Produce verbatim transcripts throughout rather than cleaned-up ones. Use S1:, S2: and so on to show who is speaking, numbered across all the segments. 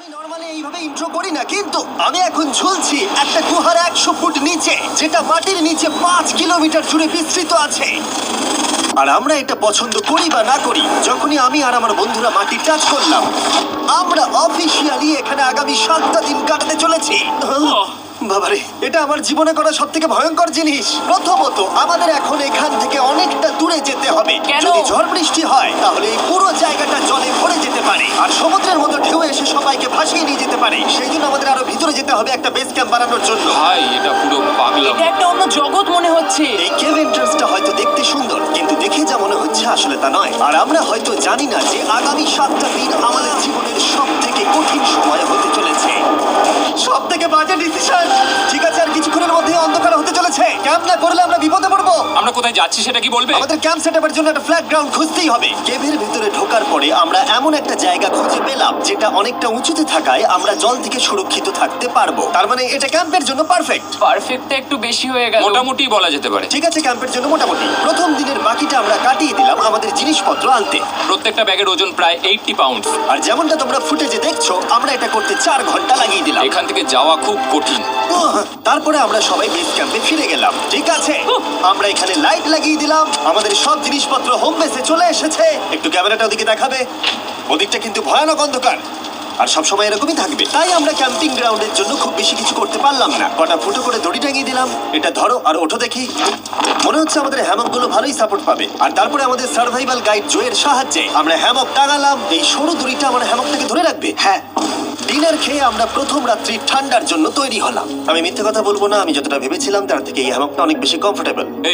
S1: আমি নরমালি এইভাবে ইন্ট্রো করি না, কিন্তু আমি এখন ঝুলছি একটা গুহার একশো ফুট নিচে, যেটা মাটির নিচে পাঁচ কিলোমিটার জুড়ে বিস্তৃত আছে। আর আমরা এটা পছন্দ করি বা না করি, যখনই আমি আর আমার বন্ধুরা মাটি টাচ করলাম, আমরা অফিসিয়ালি এখানে আগামী সাতটা দিন কাটাতে চলেছি। বাবারে, এটা আমার জীবনে করা সব থেকে ভয়ঙ্কর জিনিস। প্রথমত, আমাদের এখন এখান থেকে অনেকটা দূরে যেতে হবে।
S2: কেন?
S1: যদি ঝড় বৃষ্টি হয় তাহলে এই পুরো জায়গাটা জলে ভরে যেতে পারে, আর সমুদ্রের মতো ঢেউ এসে সবাইকে ভাসিয়ে নিয়ে যেতে পারে। সেই জন্য আমাদের আরো ভিতরে যেতে হবে একটা বেস ক্যাম্প বানানোর জন্য।
S3: ভাই এটা পুরো পাগলাম।
S2: এটা একটা অন্য জগৎ মনে হচ্ছে।
S1: এই কেভ এন্ট্রান্সটা হয়তো দেখতে সুন্দর, কিন্তু দেখে যা মনে হচ্ছে আসলে তা নয়। আর আমরা হয়তো জানি না যে আগামী সাতটা দিন আমাদের জীবনের সব থেকে কঠিন সময় হতে চলেছে। সব থেকে বাজে ডিসিশন। ঠিক আছে, আর কিছুক্ষণের মধ্যে অন্ধকার হতে চলেছে। ক্যাম্প না করলে আমরা বিপদে পড়বো।
S3: আমরা কোথায় যাচ্ছি সেটা কি বলবে?
S1: আমাদের ক্যাম্প সেটআপের জন্য একটা ফ্ল্যাট গ্রাউন্ড খুঁজতেই হবে। কেভের ভিতরে ঢোকার পরে আমরা এমন একটা জায়গা খুঁজে পেলাম যেটা অনেকটা উঁচুতে থাকায় আমরা জল থেকে সুরক্ষিত থাকতে পারবো। তার মানে এটা ক্যাম্পের জন্য পারফেক্ট।
S2: পারফেক্টটা একটু বেশি হয়ে গেল।
S3: মোটামুটি বলা যেতে পারে।
S1: ঠিক আছে, ক্যাম্পের জন্য মোটামুটি। প্রথম দিনের বাকিটা আমরা কাটিয়ে দিলাম আমাদের জিনিসপত্র আনতে।
S3: প্রত্যেকটা ব্যাগের ওজন প্রায় আশি পাউন্ড।
S1: আর যেমনটা তোমরা ফুটেজে দেখছো, আমরা এটা করতে চার ঘন্টা লাগিয়ে দিলাম।
S3: এখান থেকে যাওয়া খুব কঠিন।
S1: উহ, তারপরে আমরা সবাই বেস ক্যাম্পে ফিরে গেলাম। ঠিক আছে, আমরা এখানে লাইট লাগিয়ে দিলাম। আমাদের সব জিনিসপত্র হোম বেসে চলে এসেছে। একটু ক্যামেরাটা ওদিকে দেখাবে? ওদিকটা কিন্তু ভয়ানক অন্ধকার, আর সবসময় এরকমই থাকবে। তাই আমরা ক্যাম্পিং গ্রাউন্ডের জন্য খুব বেশি কিছু করতে পারলাম না। কটা ফুটো করে দড়ি টাঙিয়ে দিলাম। এটা ধরো আর ওঠো দেখি। মনে হচ্ছে আমাদের হ্যামকগুলো ভালোই সাপোর্ট পাবে। আর তারপরে আমাদের সার্ভাইভাল গাইড জোয়ের সাহায্যে আমরা হ্যামক টাঙালাম। এই সরু দড়িটা আমার হ্যামকটাকে ধরে রাখবে। হ্যাঁ, ডিনার খেয়ে আমরা প্রথম রাত্রি ঠান্ডার জন্য তৈরি হলাম। আমি মিথ্যে কথা বলবো না, আমি যতটা ভেবেছিলাম তার থেকে এই হ্যামকটা অনেক বেশি কমফোর্টেবল।
S3: এই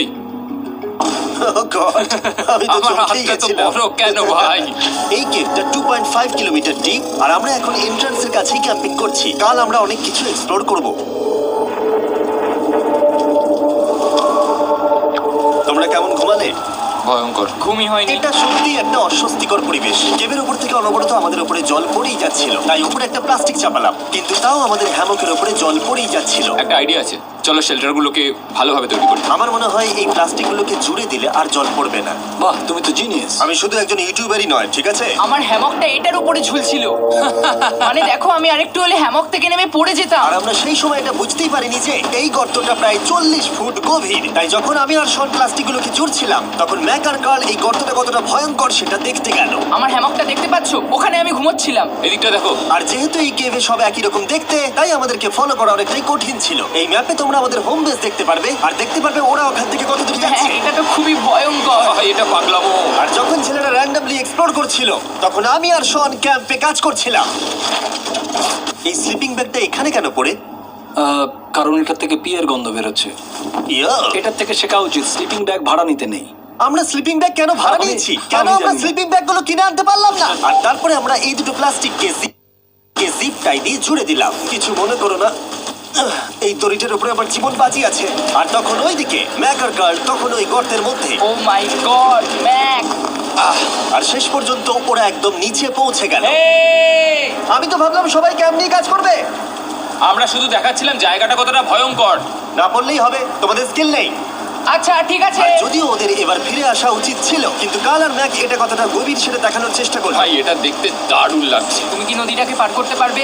S1: আমি তো
S3: আমার
S1: চমকেই
S3: হাতটা তো
S1: গেছিলাম।
S3: বড় কেন ভাই?
S1: এই কেভটা two point five kilometre deep, আর আমরা এখন এন্ট্রান্সের কাছেই ক্যাম্পিং করছি। কাল আমরা অনেক কিছু এক্সপ্লোর করব। তোমরা কেমন ঘুমালে?
S3: ভয়ঙ্কর।
S2: ঘুমই হয়নি।
S1: এটা সত্যি একটা অস্বস্তিকর পরিবেশ। কেভের উপর থেকে অনবরত আমাদের উপরে জল পড়েই যাচ্ছিল, তাই উপরে একটা প্লাস্টিক চাপালাম, কিন্তু তাও আমাদের হ্যামকের উপরে জল পড়েই যাচ্ছিল।
S3: একটা আইডিয়া আছে, চলো শেল্টারগুলোকে ভালোভাবে তৈরি করি।
S1: আমার মনে হয় এই প্লাস্টিকগুলোকে জুড়ে দিলে আর জল পড়বে না।
S4: বাহ, তুমি তো জিনিয়াস।
S1: আমি শুধু একজন ইউটিউবারই নয়, ঠিক আছে?
S2: আমার হ্যামকটা এটার উপরে ঝুলছিল। মানে দেখো, আমি আরেকটু হলে হ্যামক থেকে নেমে পড়ে যেতাম।
S1: আর আমরা সেই সময় এটা বুঝতেই পারিনি যে এই গর্তটা প্রায় চল্লিশ ফুট গভীর। তাই যখন আমি আর শন প্লাস্টিকগুলোকে জুড়ছিলাম, তখন ম্যাক আর কার্ল এই গর্তটা কতটা ভয়ঙ্কর সেটা দেখতে গেল।
S2: আমার হ্যামকটা দেখতে পাচ্ছো? ওখানে আমি ঘুমোচ্ছিলাম।
S3: এদিকটা দেখো।
S1: আর যেহেতু এই কেভে সব একই রকম দেখতে, তাই আমাদেরকে ফলো করা অনেকটাই কঠিন ছিল। এই ম্যাপে তোমরা আমাদের হোম বেস দেখতে পারবে, আর দেখতে পারবে ওরা ওখান থেকে কত দূর
S2: হ্যাঁ,
S1: যাচ্ছে।
S2: এটা তো খুবই ভয়ঙ্কর।
S3: ভাই এটা পাগলামো।
S1: আর যখন ছেলেরা র্যান্ডমলি এক্সপ্লোর করছিল, তখন আমি আর শন ক্যাম্পে কাজ করছিলাম। এই স্লিপিং ব্যাগটা এখানে কেন পড়ে?
S4: আহ, কারণ এটার থেকে পিয়ের গন্ধ বেরোচ্ছে।
S1: ইয়া,
S4: এটার থেকে শেখা উচিত স্লিপিং ব্যাগ ভাড়া নিতে নেই।
S1: আমরা স্লিপিং ব্যাগ কেন ভাড়া
S4: আমি-
S1: নিয়েছি?
S4: আমি
S1: কেন আমরা
S4: জানি না।
S1: স্লিপিং ব্যাগগুলো কিনে আনতে পারলাম না? আর তারপরে আমরা এই দুটো প্লাস্টিককে কে জিপ টাই দিয়ে জুড়ে দিলাম। কিছু মনে করো না, আহ, এই দড়িটার উপরে আমার জীবন বাজি আছে। আর তখন ওইদিকে ম্যাকার গার্ল তখন ওই গর্তের মধ্যে।
S2: ও মাই গড, ম্যাক!
S1: আহ, আর শেষ পর্যন্ত ওরা একদম নিচে পৌঁছে গেল।
S2: এই!
S1: আমি তো ভাবলাম সবাই ক্যাম্প নিয়ে কাজ করবে।
S3: আমরা শুধু দেখাচ্ছিলাম জায়গাটা কতটা ভয়ঙ্কর।
S1: না বললেই হবে, তোমাদের স্কিল নেই।
S2: আচ্ছা ঠিক আছে।
S1: আর যদিও ওদের এবার ফিরে আসা উচিত ছিল, কিন্তু কাল আর ম্যাক এটা কতটা গভীর সেটা দেখানোর চেষ্টা করলো।
S3: ভাই এটা দেখতে দারুণ লাগছে।
S2: তুমি কি নদীটাকে পার করতে পারবে?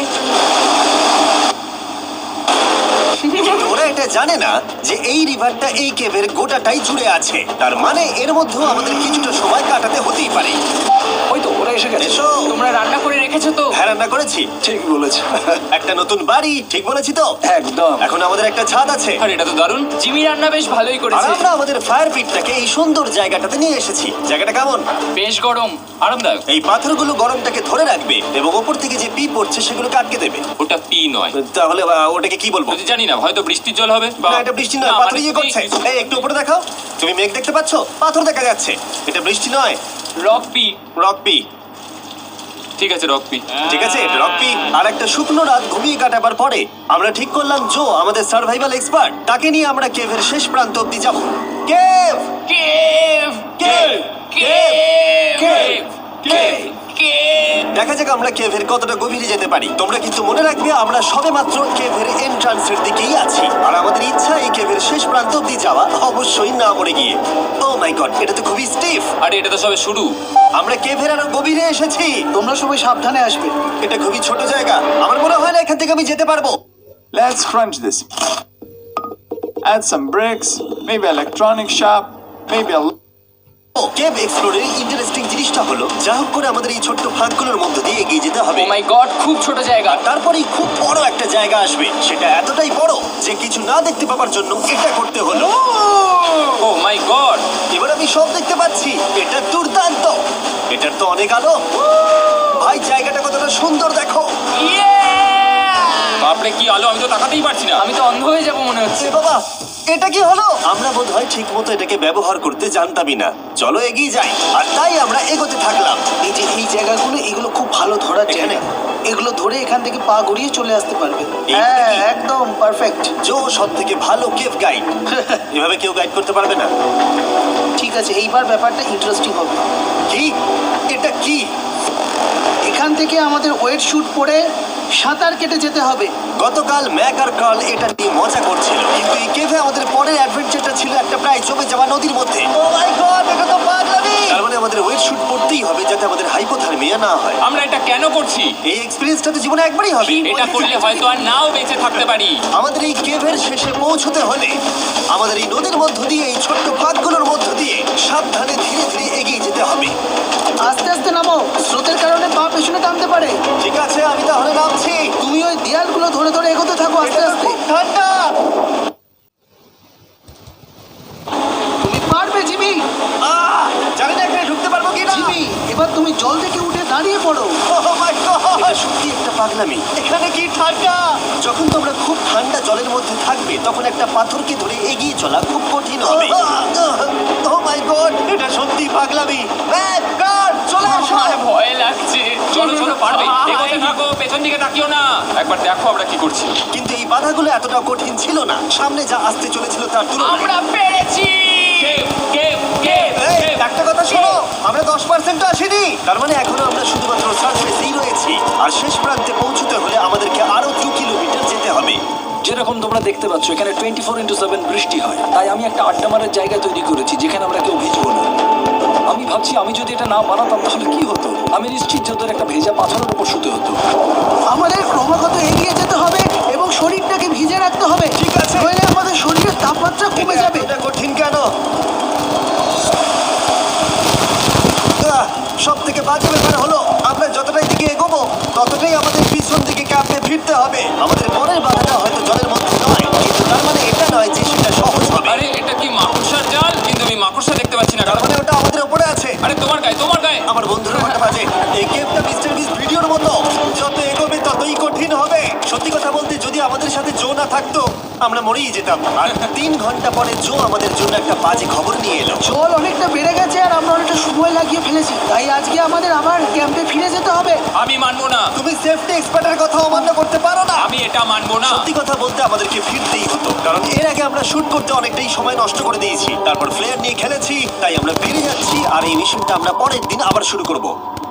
S1: কিন্তু ওরা এটা জানে না যে এই রিভারটা এই কেভের গোটাটাই জুড়ে আছে। তার মানে এর মধ্যেও আমাদের কিছুটা সময় কাটাতে হতেই পারে।
S4: ওই তো ওরা এসে গেছে।
S1: এসো।
S2: তোমরা রান্না করে রেখেছো তো?
S1: হ্যাঁ, রান্না করেছি।
S4: ঠিক বলেছে।
S1: একটা নতুন বাড়ি, ঠিক বলেছি তো?
S4: একদম।
S1: এখন আমাদের একটা ছাদ আছে।
S3: আর এটা তো দারুণ।
S2: জিমি রান্না বেশ ভালোই
S1: আর
S2: করেছে।
S1: আমরা আমাদের ফায়ার পিটটাকে এই সুন্দর জায়গাটাতে নিয়ে এসেছি। জায়গাটা কেমন?
S2: বেশ গরম।
S3: আরামদায়ক।
S1: এই পাথরগুলো গরমটাকে ধরে রাখবে এবং ওপর থেকে যে পি পড়ছে সেগুলোকে আটকে দেবে।
S3: ওটা পি নয়।
S1: তাহলে আহ, ওটাকে কি বলবো?
S3: যদি জানি না, হয়তো বৃষ্টির জল হবে বা
S1: না, এটা বৃষ্টি নয়,
S3: না,
S1: পাথর
S3: মানে
S1: ইয়ে
S3: তুমি-
S1: করছে। এই একটু উপরে দেখাও। তুমি মেঘ দেখতে পাচ্ছো? পাথর দেখা যাচ্ছে। এটা বৃষ্টি নয়,
S2: রক পি।
S1: Rock P.
S3: ঠিক আছে রক পি।
S1: ঠিক আছে, রক পি। আর একটা শুকনো রাত ঘুমিয়ে কাটাবার পরে আমরা ঠিক করলাম জো আমাদের সার্ভাইভাল এক্সপার্ট, তাকে নিয়ে আমরা কেভের শেষ প্রান্ত অব্দি যাব। Cave
S2: cave!
S1: Cave
S2: cave!
S1: Cave cave
S2: cave!
S1: দেখা যাক আমরা কেভের কতটা গভীরে যেতে পারি। তোমরা কিন্তু মনে রাখবে আমরা সবেমাত্র কেভের এন্ট্রান্সের দিকেই আছি, আর আমাদের ইচ্ছা এই কেভের শেষ প্রান্ত অব্দি যাওয়া, অবশ্যই না মরে গিয়ে। ও মাই গড, এটা তো খুবই স্টিফ।
S3: আরে এটা তো সবে শুরু।
S1: আমরা কেভের আরো গভীরে এসেছি।
S4: তোমরা সবাই সাবধানে আসবে।
S1: এটা খুবই ছোট জায়গা। থেকে আমি যেতে পারবো।
S5: Let's crunch this. Add some bricks, maybe electronic shop, maybe a
S1: cave এক্সপ্লোরের ইন্টারেস্টিং জিনিসটা হলো যা হোক করে আমাদের এই ছোট্ট ফাঁকগুলোর মধ্য দিয়ে এগিয়ে যেতে হবে।
S2: ও মাই গড, খুব ছোট জায়গা।
S1: তারপরেই খুব বড় একটা জায়গা আসবে, সেটা এতটাই বড় যে কিছু না দেখতে পাওয়ার জন্য এটা করতে হলো।
S3: Oh my god!
S1: এবার আমি সব দেখতে পাচ্ছি, এটা দুর্দান্ত। এটার তো অনেক আলো। ভাই জায়গাটা কতটা সুন্দর দেখো।
S3: বাপরে কি আলো, আমি তো তাকাতেই পারছি না।
S2: আমি তো অন্ধ হয়ে যাব মনে হচ্ছে।
S1: এ বাবা, এটা কি হলো? আমরা বোধহয় ঠিক মতো এটাকে ব্যবহার করতে জানতামই না। চলো এগিয়ে যাই। আর তাই আমরা এগোতে থাকলাম।
S6: এই যে এই জায়গাগুলো, এগুলো খুব ভালো ধরার
S1: এখানে?
S6: জায়গা। এগুলো ধরে এখান থেকে পা গড়িয়ে চলে আসতে পারবে।
S1: এই
S6: হ্যাঁ,
S1: কি?
S6: একদম পারফেক্ট।
S1: জো সব থেকে ভালো কেভ গাইড। এভাবে কেউ গাইড করতে পারবে না।
S6: ঠিক আছে, এইবার ব্যাপারটা ইন্টারেস্টিং হবে।
S1: কি? এটা কি?
S6: এখান থেকে আমাদের ওয়েট শুট পরে সাঁতার কেটে যেতে হবে।
S1: গতকাল ম্যাক আর কার্ল এটা নিয়ে মজা করছিল, কিন্তু এই কেভে আমাদের পরের অ্যাডভেঞ্চারটা ছিল একটা প্রায় জমে যাওয়া নদীর মধ্যে। ও মাই গড, এটা তো পাগলামি! তার মানে আমাদের ওয়েট শুট পড়তেই হবে যাতে আমাদের হাইপোথার্মিয়া না হয়।
S3: আমরা এটা কেন করছি?
S1: এই এক্সপেরিয়েন্সটা তো জীবনে একবারই হবে।
S3: এটা করলে হয়তো আর নাও বেঁচে থাকতে পারি।
S1: আমাদের এই কেভের শেষে পৌঁছতে হলে আমাদের এই নদীর মধ্য দিয়ে, এই ছোট্ট ফাঁকগুলোর মধ্য দিয়ে সাবধানে ধীরে ধীরে এগিয়ে যেতে হবে।
S6: আস্তে আস্তে নামো, স্রোতের কারণে পা পেছনে টানতে পারে।
S1: ঠিক আছে, আমি তাহলে নামছি।
S6: তুমি ওই দেয়ালগুলো ধরে ধরে এগোতে থাকো আস্তে
S1: এটা
S6: আস্তে।
S1: খুব ঠান্ডা।
S6: তুমি পারবে জিমি।
S1: আহ, জানি না এখানে ঢুকতে পারবো কি না।
S6: জিমি, এবার তুমি জল থেকে উঠে দাঁড়িয়ে পড়ো।
S1: এটা সত্যি একটা পাগলামি। এখানে কি ঠান্ডা! যখন তোমরা খুব ঠান্ডা জলের মধ্যে থাকবে তখন একটা পাথরকে ধরে এগিয়ে চলা খুব কঠিন হবে। ও মাই গড, এটা সত্যি পাগলামি। ম্যাক, কার্ল, চলে আসো।
S2: আমার ভয় লাগছে।
S3: চলো চলো, পারবে।
S2: ভাই।
S3: এগোতে থাকো, পেছন দিকে তাকিও না। একবার দেখো আমরা কি করছি।
S1: কিন্তু এই বাধাগুলো এতটা কঠিন ছিল না সামনে যা আসতে চলেছিল তার তুলনায়।
S2: আমরা পেরেছি।
S3: কেভ, কেভ, কেভ,
S1: এই,
S3: কেভ।
S1: একটা কথা শোনো, আমরা দশ পার্সেন্ট আসিনি। তার মানে এখনো আমরা শুধুমাত্র সার্ফেসেই রয়েছি, আর শেষ প্রান্তে পৌঁছতে হলে আমাদেরকে আরো দু কিলোমিটার যেতে হবে।
S4: যেরকম তোমরা দেখতে পাচ্ছ এখানে টোয়েন্টি ফোর ইন্টু সেভেন বৃষ্টি হয়, তাই আমি একটা আড্ডা মারার জায়গা তৈরি করেছি যেখানে আমরা কেউ ভিজবো না। আমি ভাবছি আমি যদি এটা না বানাতাম তাহলে কি হতো। আমি নিশ্চিত যে ওদের একটা ভেজা পাথরের উপর শুতে হতো।
S6: আমাদের ক্রমাগত এগিয়ে যেতে হবে এবং শরীরটাকে ভিজে রাখতে হবে।
S1: ঠিক আছে।
S6: নইলে আমাদের শরীরের তাপমাত্রা কমে যাবে।
S1: এটা কঠিন কেন? সব থেকে বাজে ব্যাপার হলো আমরা যতটাই দিকে এগোবো ততটাই আমাদের পিছন দিকে ক্যাম্পে ফিরতে হবে। আমাদের পরের বাধাটা হয়তো জলের মধ্যে নয়, কিন্তু তার মানে এটা নয় যে সেটা সহজ হবে।
S3: আরে এটা কি মাকড়সার জাল? কিন্তু আমি মাকড়সা দেখতে পাচ্ছি না।
S1: তার মানে ওটা আমাদের উপরে আছে।
S3: আরে তোমার গায়ে, তোমার গায়ে।
S1: আমার বন্ধুরা মাথা বাজে। এই গেমটা মিস্টার বিস ভিডিওর মতো, যত এগোবে ততই কঠিন হবে। সত্যি কথা বলতে যদি আমাদের সাথে জো না থাকতো আমরা মরেই যেতাম। আর তিন ঘন্টা পরে জো আমাদের জন্য একটা বাজে খবর নিয়ে এলো।
S6: জল অনেকটা বেড়ে গেছে আর আমরা অনেকটা সময় লাগিয়ে ফেলেছি, তাই আজকে আমাদের আবার ক্যাম্পে ফিরে যেতে হবে।
S3: আমি মানবো না।
S1: তুমি সেফটি এক্সপার্টের কথা অমান্য করতে পারো না।
S3: আমি এটা মানবো না।
S1: সত্যি কথা বলতে আমাদেরকে ফিরতেই হতো, কারণ এর আগে আমরা শুট করতে অনেকটাই সময় নষ্ট করে দিয়েছি। তারপর ফ্লেয়ার নিয়ে খেলেছি, তাই আমরা বেরিয়ে যাচ্ছি। আর এই মিশনটা আমরা পরের দিন আবার শুরু করব।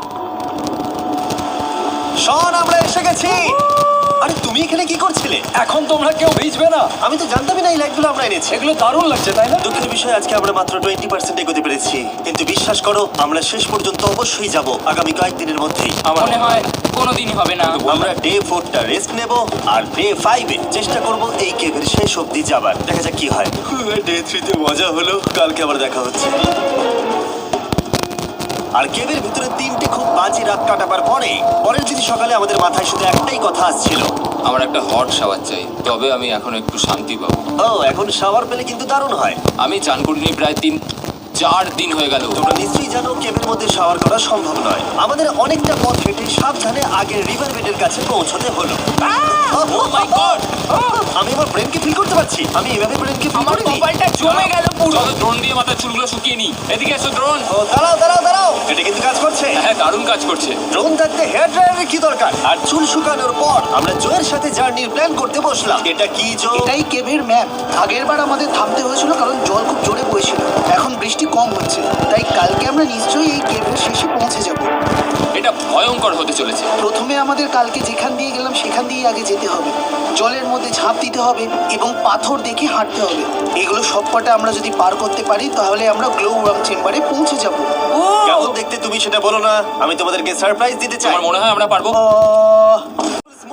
S1: শন, আমরা এসে গেছি। আরে তুমি এখানে কি করছিলে?
S4: এখন তোমরা কেউ ভিজবে না।
S1: আমি তো জানতামই না এই লাইটগুলো আমরা এনেছি।
S4: এগুলো দারুণ লাগছে তাই না?
S1: দুঃখের বিষয় আজকে আমরা মাত্র টোয়েন্টি পার্সেন্ট এগোতে পেরেছি, কিন্তু বিশ্বাস করো আমরা শেষ পর্যন্ত অবশ্যই যাব আগামী কয়েকদিনের মধ্যেই।
S3: আমার
S2: মনে হয় কোনোদিনই হবে না।
S1: আমরা ডে ফোরটা রেস্ট নেব আর ডে ফাইভে চেষ্টা করব এই কেভের শেষ অবধি যাবার। দেখা যাক কি হয়। ডে থ্রিতে মজা হলো, কালকে আবার দেখা হচ্ছে। আর কেভের ভিতরে তিনটে খুব বাজে রাত কাটাবার পরে পরের দিন সকালে আমাদের মাথায় শুধু একটাই কথা আসছিল,
S3: আমার একটা হট শাওয়ার চাই, তবে আমি এখন একটু শান্তি পাবো।
S1: ও এখন শাওয়ার পেলে কিন্তু দারুণ হয়।
S3: আমি চান করিনি প্রায় তিন চার দিন হয়ে গেল।
S1: তোমরা নিশ্চয়ই জানো কেভের মধ্যে শাওয়ার করা সম্ভব নয়। আমাদের অনেকটা পথ হেঁটে সাবধানে আগের রিভার বেডের কাছে পৌঁছতে হলো।
S3: Oh my God!
S1: আমি আমার ব্রেনকে ফিল করতে পারছি। আমি এভাবে ব্রেনকে ফিল
S2: আমার
S1: করিনি।
S2: কপালটা জমে গেল পুরো।
S3: চলো ড্রোন দিয়ে মাথার চুলগুলো শুকিয়ে নি। এদিকে এসো ড্রোন।
S1: ও দাঁড়াও দাঁড়াও দাঁড়াও, এটা কিন্তু কাজ করছে।
S3: হ্যাঁ, দারুণ কাজ করছে।
S1: ড্রোন থাকতে হেয়ার ড্রায়ারের কি দরকার? আর চুল শুকানোর পর আমরা জোয়ের সাথে জার্নির প্ল্যান করতে বসলাম। এটা কি জো?
S6: এটাই কেভের ম্যাপ। আগের বার আমাদের থামতে হয়েছিল কারণ জল খুব জোরে বইছিল। এখন বৃষ্টি কম হচ্ছে, তাই কালকে আমরা নিশ্চয়ই এই কেভের শেষে পৌঁছে যাব।
S3: এটা ভয়ঙ্কর হতে চলেছে।
S6: প্রথমে আমাদের কালকে যেখান দিয়ে গেলাম সেখান দিয়ে আগে যেতে হবে। জলের মধ্যে ঝাঁপ দিতে হবে এবং পাথর দেখে হাঁটতে হবে। এগুলো সবকটা আমরা যদি পার করতে পারি তাহলে আমরা গ্লো ওয়ার্ম চেম্বারে পৌঁছে যাব।
S1: কেমন দেখতে তুমি সেটা বলো না, আমি তোমাদেরকে সারপ্রাইজ দিতে চাই।
S3: আমার মনে হয় আমরা পারবো।
S6: আহ,
S1: স্মোর্স খাচ্ছি।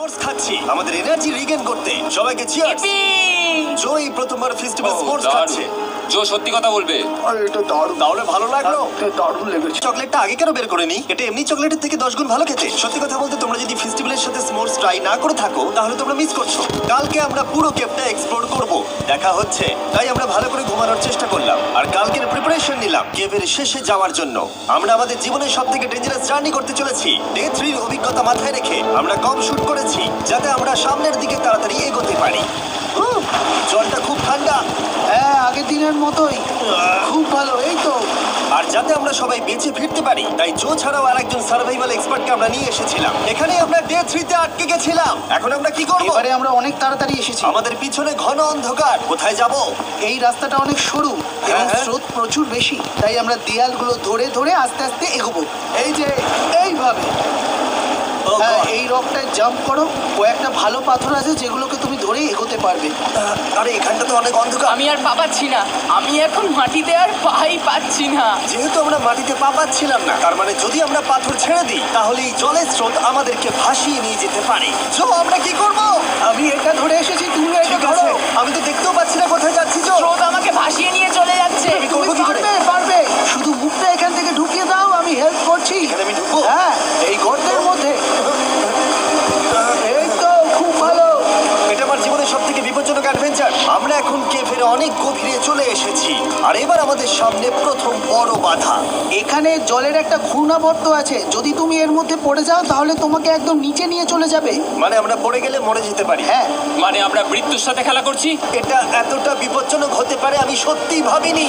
S1: চলেছি আমাদের এনার্জি রিগেন করতে। সবাইকে চিয়ার্স। জো এই প্রথমবার ফেস্টিভ্যাল স্পোর্টস খাচ্ছে।
S3: জো সত্যি কথা বলবে।
S6: আরে এটা দারুণ,
S1: তাহলে ভালো লাগলো?
S6: এটা দারুণ লেগেছে।
S1: চকলেটটা আগে কেন বের করেনি? এটা এমনি চকলেটের থেকে দশ গুণ ভালো খেতে। সত্যি কথা বলতে তোমরা যদি ফেস্টিভ্যালের সাথে স্মোর্স ট্রাই না করে থাকো তাহলে তোমরা মিস করছো। কালকে আমরা পুরো কেপটা এক্সপ্লোর করব, দেখা হচ্ছে। তাই আমরা ভালো করে ঘুমানোর চেষ্টা করলাম আর কালকের প্রিপারেশন নিলাম কেভের শেষে যাওয়ার জন্য। আমরা আমাদের জীবনের সব থেকে ডেঞ্জারাস জার্নি করতে চলেছি। ডে থ্রির অভিজ্ঞতা মাথায় রেখে আমরা কম শুট করেছি যাতে আমরা সামনের দিকে তাড়াতাড়ি এগোতে পারি। উহ, জলটা খুব ঠান্ডা।
S6: হ্যাঁ, আগের দিনের মতোই খুব ভালো। এই তো
S1: আর যাতে আমরা সবাই বেঁচে ফিরতে পারি তাই জো ছাড়াও আরেকজন সার্ভাইভাল এক্সপার্টকে আমরা নিয়ে এসেছিলাম। এখানে আমরা ডে থ্রিতে আটকে গেছিলাম। এখন আমরা কি করব?
S6: এবারে আমরা অনেক তাড়াতাড়ি এসেছি।
S1: আমাদের পিছনে ঘন অন্ধকার। কোথায় যাব?
S6: এই রাস্তাটা অনেক সরু এবং
S1: হ্যাঁ।
S6: স্রোত প্রচুর বেশি, তাই আমরা দেয়ালগুলো ধরে ধরে আস্তে আস্তে এগোবো। এই যে এইভাবে।
S1: ও
S6: হ্যাঁ,
S1: God!
S6: এই রকটায় জাম্প করো। কয়েকটা ভালো পাথর আছে যেগুলোকে তুমি ধরে এগোতে পারবে।
S1: আহ, আরে এখানটা তো অনেক অন্ধকার।
S2: আমি আর পা পাচ্ছি না, আমি এখন মাটিতে আর পাই পাচ্ছি না।
S1: যেহেতু আমরা মাটিতে পা পাচ্ছিলাম না তার মানে যদি আমরা পাথর ছেড়ে দিই তাহলে এই জলের স্রোত আমাদেরকে ভাসিয়ে নিয়ে যেতে পারে। জো আমরা কি করব?
S6: আমি এটা ধরে এসেছি, তুমি এটা
S1: ঠিক
S6: ধরো।
S1: আছে, আমি তো দেখতেও পাচ্ছি না কোথায় যাচ্ছি। জো
S2: স্রোত আমাকে ভাসিয়ে নিয়ে চলে যাচ্ছে।
S1: আমি
S6: তুমি
S1: করবো কি করে?
S6: পারবে, পারবে। শুধু মুখটা এখান থেকে ঢুকিয়ে দাও, আমি হেল্প করছি।
S1: এখানে আমি ঢুকবো?
S6: হ্যাঁ, এই গর্তের মধ্যে। এই তো, খুব ভালো।
S1: এটা আমার জীবনের সব থেকে বিপজ্জনক অ্যাডভেঞ্চার। আমরা এখন কেভের অনেক গভীরে চলে এসেছি আর এবার আমাদের সামনে প্রথম বড় বাধা।
S6: এখানে জলের একটা ঘূর্ণাবর্ত আছে, যদি তুমি এর মধ্যে পড়ে যাও তাহলে তোমাকে একদম নিচে নিয়ে চলে যাবে।
S1: মানে আমরা পড়ে গেলে মরে যেতে পারি।
S6: হ্যাঁ,
S3: মানে আমরা মৃত্যুর সাথে খেলা করছি।
S1: এটা এতটা বিপজ্জনক হতে পারে আমি সত্যিই ভাবিনি।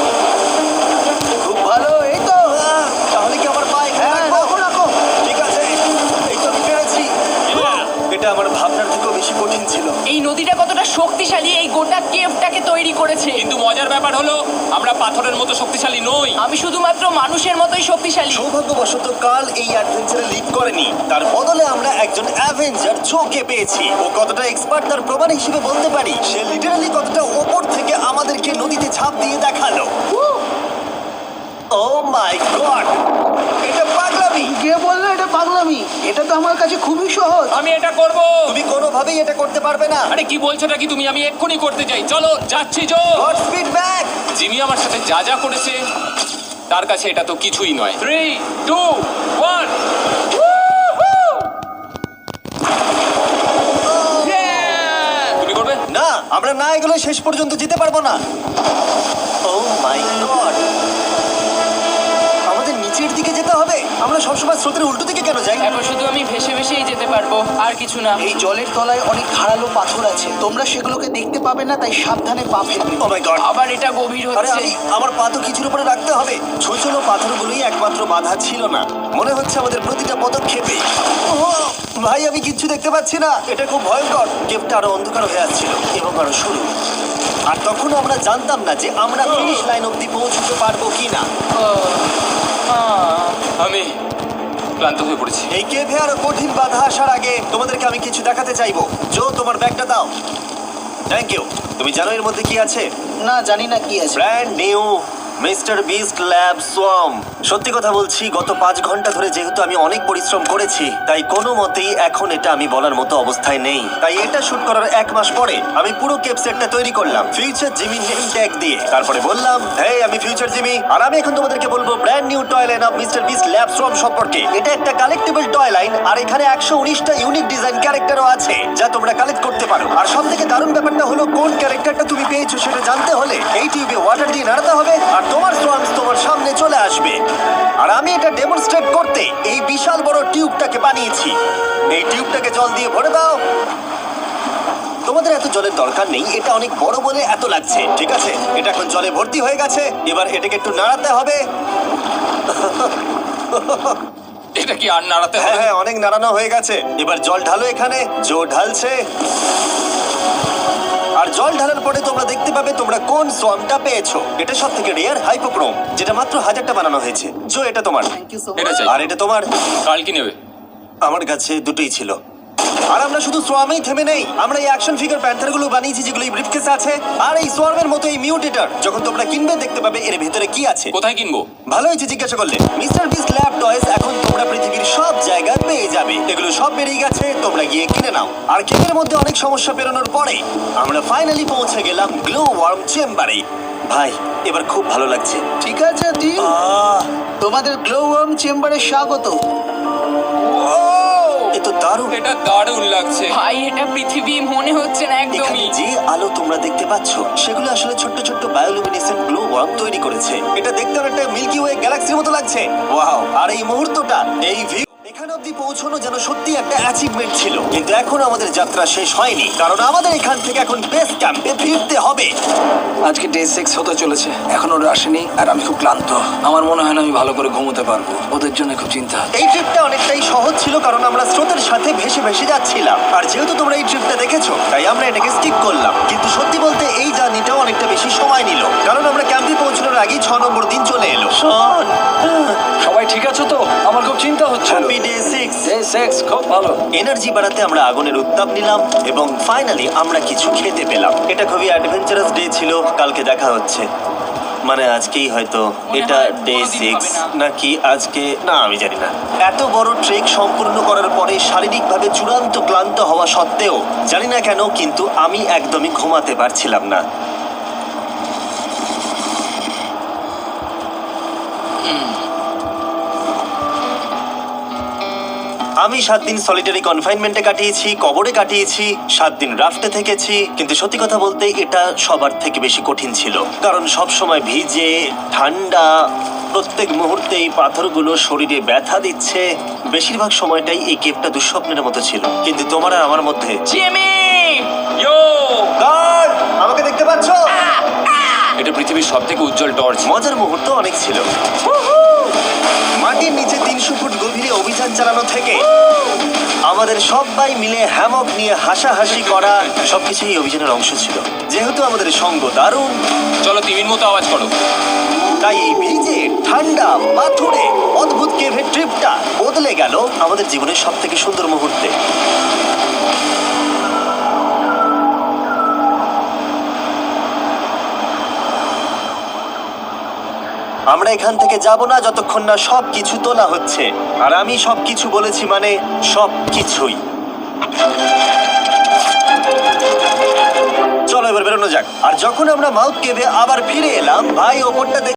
S6: খুব ভালো। এই তো।
S1: আহ, তাহলে কি আমার পা এখানে
S6: হ্যাঁ,
S1: রাখবো?
S6: রাখো রাখো।
S1: ঠিক আছে, এই তো আমি পেরেছি। এটা আমার ভাবনার থেকেও বেশি কঠিন ছিল।
S2: এই নদীটা কতটা শক্তিশালী এই গোটা কেভটাকে তৈরি করেছে।
S3: কিন্তু মজার ব্যাপার হলো আমরা পাথরের মতো শক্তিশালী নই।
S2: আমি শুধুমাত্র মানুষের মতোই শক্তিশালী।
S1: সৌভাগ্যবশত কাল এই অ্যাডভেঞ্চারে লিড করেনি, তার বদলে আমরা একজন অ্যাভেঞ্জার জোকে পেয়েছি। ও কতটা এক্সপার্ট তার প্রমাণ হিসেবে বলতে পারি। সে লিটারালি কতটা ওপর থেকে আমাদেরকে নদীতে ঝাঁপ দিয়ে দেখালো। ও মাই গড, এটা পাগলামি।
S6: কে বললো এটা পাগলামি? এটা তো আমার কাছে খুবই সহজ।
S3: আমি এটা করব।
S1: তুমি কোনোভাবেই এটা করতে পারবে না।
S3: আরে কি বলছোটা কি তুমি? আমি এক্ষুনি করতে চাই। চলো যাচ্ছি Joe.
S1: Godspeed back.
S3: Jimmy আমার সাথে যা যা করেছে তার কাছে এটা তো কিছুই নয়। Three two one. তুমি করবে?
S1: না, আমরা না এগুলো শেষ পর্যন্ত যেতে পারবো না। ও মাই গড, আমাদের নিচের দিকে যেতে হবে। আমরা সবসময় স্রোতের উল্টো দিকে কেন যাই?
S2: এখন শুধু আমি ভেসে ভেসেই যেতে পারবো, আর কিছু না।
S6: এই জলের তলায় অনেক ধারালো পাথর আছে, তোমরা সেগুলোকে দেখতে পাবে না, তাই সাবধানে পা ফেলবে।
S1: ও মাই গড,
S2: আবার এটা গভীর
S1: আরে
S2: হচ্ছে।
S1: আমি আমার পা তো কিছুর উপরে রাখতে হবে। ছোট ছোট পাথরগুলোই একমাত্র বাধা ছিল না, মনে হচ্ছে আমাদের প্রতিটা পদক্ষেপে। ওহ, ভাই আমি কিচ্ছু দেখতে পাচ্ছি না। এটা খুব ভয়ঙ্কর। কেভটা আরো অন্ধকার হয়ে আসছিল এবং আরো সরু। আর তখন আমরা জানতাম না যে আমরা ফিনিশ লাইন অব্দি পৌঁছতে পারবো কিনা।
S3: আমি ক্লান্ত হয়ে পড়েছি।
S1: এই কেভে আরো কঠিন বাধা আসার আগে তোমাদেরকে আমি কিছু দেখাতে চাইবো। জো, তোমার ব্যাগটা দাও। Thank you. তুমি জানো এর মধ্যে কি আছে?
S6: না, জানি না কি আছে।
S1: Brand new mister Beast lab swarm. সত্যি কথা বলছি, গত পাঁচ ঘন্টা ধরে যেহেতু আমি অনেক পরিশ্রম করেছি তাই কোনো মতেই এখন এটা আমি বলার মতো অবস্থায় নেই। তাই এটা শুট করার এক মাস পরে আমি পুরো কেপ সেটটা তৈরি করলাম ফিউচার জিমি নেম ট্যাগ দিয়ে। তারপরে বললাম, হেই আমি ফিউচার জিমি, আর আমি এখন তোমাদেরকে বলবো brand new toy line of mister Beast lab swarm সম্পর্কে। এটা একটা কালেক্টেবল টয় লাইন আর এখানে একশো উনিশটা ইউনিক ডিজাইন ক্যারেক্টারও আছে যা তোমরা কালেক্ট করতে পারো। আর সব থেকে দারুণ ব্যাপারটা হলো কোন ক্যারেক্টারটা তুমি পেয়েছো সেটা জানতে হলে এই টিউবে ওয়াটার দিয়ে নাড়াতে হবে আর তোমার সোয়ামস তোমার সামনে চলে আসবে। আর আমি এটা ডেমনস্ট্রেট করতে এই বিশাল বড় টিউবটাকে বানিয়েছি। এই টিউবটাকে জল দিয়ে ভরে দাও। তোমাদের এত জলের দরকার নেই, এটা অনেক বড় বলে এত লাগছে। ঠিক আছে, এটা এখন জলে ভর্তি হয়ে গেছে। এবার এটাকে একটু নাড়াতে হবে।
S3: এটা কি আর নাড়াতে
S1: হ্যাঁ
S3: হবে?
S1: হ্যাঁ, অনেক নাড়ানো হয়ে গেছে। এবার জল ঢালো এখানে। জো ঢালছে। আর জল ঢালার পরে তোমরা দেখতে পাবে তোমরা কোন সোয়ামটা পেয়েছো। এটা সব থেকে রেয়ার হাইপোক্রোম, যেটা মাত্র হাজারটা বানানো হয়েছে। জো এটা তোমার,
S6: থ্যাংক ইউ সো
S3: এটা চাই।
S1: আর এটা তোমার।
S3: কাল কি নেবে?
S1: আমার কাছে দুটোই ছিল। আর আমরা শুধু সোয়ামেই থেমে নেই, আমরা এই অ্যাকশন ফিগার প্যান্থার গুলো বানিয়েছি যেগুলো এই ব্রিফকেসে আছে। আর এই সোয়ার্মের মতো এই মিউটেটর যখন তোমরা কিনবে দেখতে পাবে এর ভেতরে কি আছে।
S3: কোথায় কিনবো?
S1: ভালো হয়েছে জিজ্ঞাসা করলে। মিস্টার বিস্ট ল্যাব টয়েস এখন তোমরা পৃথিবীর সব জায়গায় পেয়ে যাবে। এগুলো সব বেরিয়ে গেছে, তোমরা গিয়ে কিনে নাও। আর কেকের মধ্যে অনেক সমস্যা পেরোনোর পরে আমরা ফাইনালি পৌঁছে গেলাম গ্লো ওয়ার্ম চেম্বারে। ভাই এবার খুব ভালো লাগছে।
S6: ঠিক আছে টিম,
S1: আহ,
S6: তোমাদের গ্লো ওয়ার্ম চেম্বারে স্বাগত।
S1: এ তো দারুণ।
S3: এটা দারুণ লাগছে।
S2: ভাই এটা পৃথিবী মনে হচ্ছে না
S1: এখানে
S2: একদমই।
S1: যে আলো তোমরা দেখতে পাচ্ছ সেগুলো আসলে ছোট্ট ছোট্ট বায়োলুমিনেসেন্ট গ্লো ওয়ার্ম তৈরি করেছে। এটা দেখতে অনেকটা মিল্কি ওয়ে গ্যালাক্সির মতো লাগছে। ওয়াও! আর এই মুহূর্তটা, এই ভিউ, এখানে অব্দি পৌঁছানো যেন সত্যি একটা অ্যাচিভমেন্ট ছিল। কিন্তু এখন আমাদের যাত্রা শেষ হয়নি, কারণ আমাদের এখান থেকে এখন বেস ক্যাম্পে ফিরতে হবে।
S4: আজকে ডে সিক্স হতে চলেছে, এখন ওরা আসেনি আর আমি খুব ক্লান্ত। আমার মনে হয় না আমি ভালো করে ঘুমোতে পারবো, ওদের জন্য খুব চিন্তা।
S1: এই ট্রিপটা অনেকটাই সহজ ছিল কারণ আমরা স্রোতের সাথে ভেসে ভেসে যাচ্ছিলাম। আর যেহেতু তোমরা এই ট্রিপটা দেখেছো তাই আমরা এটাকে স্কিপ করলাম। কিন্তু সত্যি বলতে এই জার্নিটাও অনেকটা বেশি সময় নিল, কারণ আমরা ক্যাম্পে পৌঁছানোর আগেই ছ নম্বর দিন চলে এলো। শোন,
S4: সবাই ঠিক আছো তো? আমার খুব চিন্তা হচ্ছে।
S1: Happy day six.
S4: Day six খুব ভালো।
S1: এনার্জি বাড়াতে আমরা আগুনের উত্তাপ নিলাম এবং ফাইনালি আমরা কিছু খেতে পেলাম। এটা খুবই অ্যাডভেঞ্চারাস ডে ছিল। কালকে দেখা হচ্ছে, মানে আজকেই হয়তো।
S2: মনে
S1: এটা
S2: হয়
S1: ডে
S2: কোনোদিন
S1: সিক্স
S2: হবে না।
S1: নাকি আজকে, না আমি জানি না। এত বড় ট্রেক সম্পূর্ণ করার পরে শারীরিকভাবে চূড়ান্ত ক্লান্ত হওয়া সত্ত্বেও জানি না কেন কিন্তু আমি একদমই ঘুমাতে পারছিলাম না। আমি সাত দিন সলিটারি কনফাইনমেন্টে কাটিয়েছি, কবরে কাটিয়েছি, সাত দিন রাফটে থেকেছি। কিন্তু সত্যি কথা বলতে এটা সবার থেকে বেশি কঠিন ছিল, কারণ সব সময় ভিজে, ঠান্ডা, প্রত্যেক মুহূর্তে এই পাথরগুলো শরীরে ব্যথা দিচ্ছে। বেশিরভাগ সময়টাই এই কেপটা দুঃস্বপ্নের মতো ছিল। কিন্তু তোমার আর আমার মধ্যে
S2: জিমি!
S3: ইয়ো!
S1: গার্ড, আমাকে দেখতে পাচ্ছ?
S3: এটা পৃথিবীর সবথেকে উজ্জ্বল টর্চ।
S1: মজার মুহূর্ত অনেক ছিল। মাটির নিচে তিনশো ফুট গভীরে অভিযান চালানো থেকে আমাদের সবাই মিলে হ্যামক নিয়ে হাসাহাসি করা সবকিছুই এই অভিযানের অংশ ছিল। যেহেতু আমাদের সঙ্গ দারুণ,
S3: চলো তিমির মতো আওয়াজ করো।
S1: তাই এই ভিজে ঠান্ডা পাথুরে অদ্ভুত কেভের ট্রিপটা বদলে গেল আমাদের জীবনের সব থেকে সুন্দর মুহূর্তে। আমরা এখান থেকে যাব না যতক্ষণ না সব কিছু তোলা হচ্ছে। আর আমি সব কিছু বলেছি মানে সব কিছুই। চলো এবার বেরোনো যাক। আর যখন আমরা মাউথ কেভে আবার ফিরে এলাম, ভাই ওপরটা